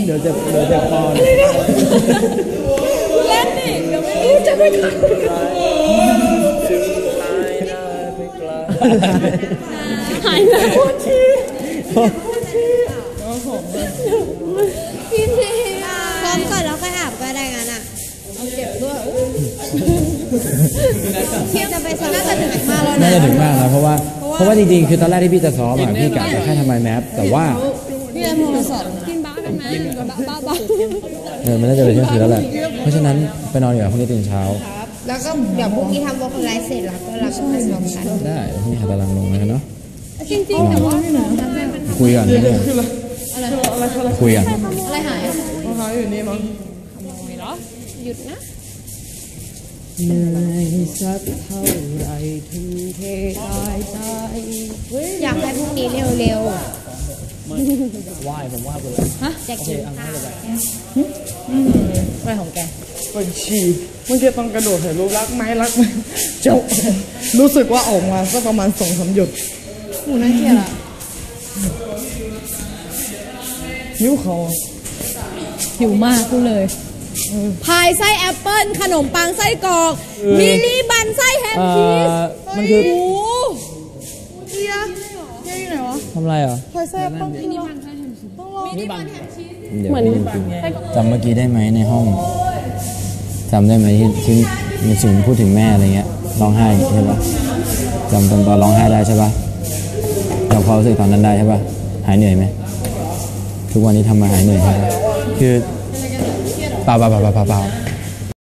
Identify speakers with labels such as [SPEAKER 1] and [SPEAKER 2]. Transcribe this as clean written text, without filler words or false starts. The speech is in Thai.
[SPEAKER 1] เดี๋ยวเจ็บคอ
[SPEAKER 2] เล่นดิเดี๋ยวไม่รู้จะไปทำหายแล้วพี่ทีพร้อมก่อนแล้วค่อยอาบก็ได้งั้นอ่ะเอาเก็บด้วยพี่จะไปซ้อมน่าจะถึงมากแล้วนะ
[SPEAKER 1] น่าจะถึงมากแล้วเพราะว่าจริงๆคือตอนแรกที่พี่จะซ้อมอ่ะพี่กะจะแค่ทำไมแมปแต่ว่า
[SPEAKER 2] พี่จะโทรศัพท์กินบ้าได้ไหมบ้า
[SPEAKER 1] มันน่าจะเป็นเที่ยงคืนแล้วแหละเพราะฉะนั้นไปนอนดีกว่าพรุ่งนี้ตื่นเช้า
[SPEAKER 2] แล้วก็เดี๋ยวพรุ่งนี้ทำวอล์กไลฟ์เสร็จแล้วก็เราไปซ้อมกัน
[SPEAKER 1] ได้พรุ่งนี้หาตารางลงแล้วกันเนาะ
[SPEAKER 2] จริงๆแต่ว่า
[SPEAKER 1] คุยกันนิดนึงคุยกัน
[SPEAKER 2] อะไรหาย
[SPEAKER 3] อยู่นี่มั้ง
[SPEAKER 2] หยุดนะ
[SPEAKER 1] เหนื่อยสักเท่าไรถึงเทตายใจ
[SPEAKER 2] อยากให้พรุ่งนี้เร็ว
[SPEAKER 1] ไหว้ผมว่าไปเลย
[SPEAKER 2] ฮะจะกินข้าวอะไรของแก
[SPEAKER 3] ปวดฉี่เมื่อกี้ต้องกระโดดถ่ายรูปรักไหมเจ้ารู้สึกว่าออกมาสักประมาณ2-3 หยด
[SPEAKER 2] หมูน่าเกลียดอ่ะ
[SPEAKER 3] หิวเขา
[SPEAKER 2] หิวมากพูดเลยพายไส้แอปเปิ้ลขนมปังไส้กรอกมินิบันไส้แฮมชีส
[SPEAKER 1] มันคือ
[SPEAKER 3] เฮียอยู่ไหนวะ
[SPEAKER 1] ทำอะไรอ่ะ
[SPEAKER 3] พายไส้แอปเปิ้ลมินิบันไส้แฮมชีสต้องลอง
[SPEAKER 1] มินิบันแฮมชีสเหมือนจำเมื่อกี้ได้ไหมในห้องจำได้ไหมที่มีสิ่งพูดถึงแม่อะไรเงี้ยร้องไห้ใช่ปะจำตอนร้องไห้ได้ใช่ปะจำความรู้สึกตอนนั้นได้ใช่ปะหายเหนื่อยไหมทุกวันนี้ทำมาหายเหนื่อยใช่ปะคือเปล่า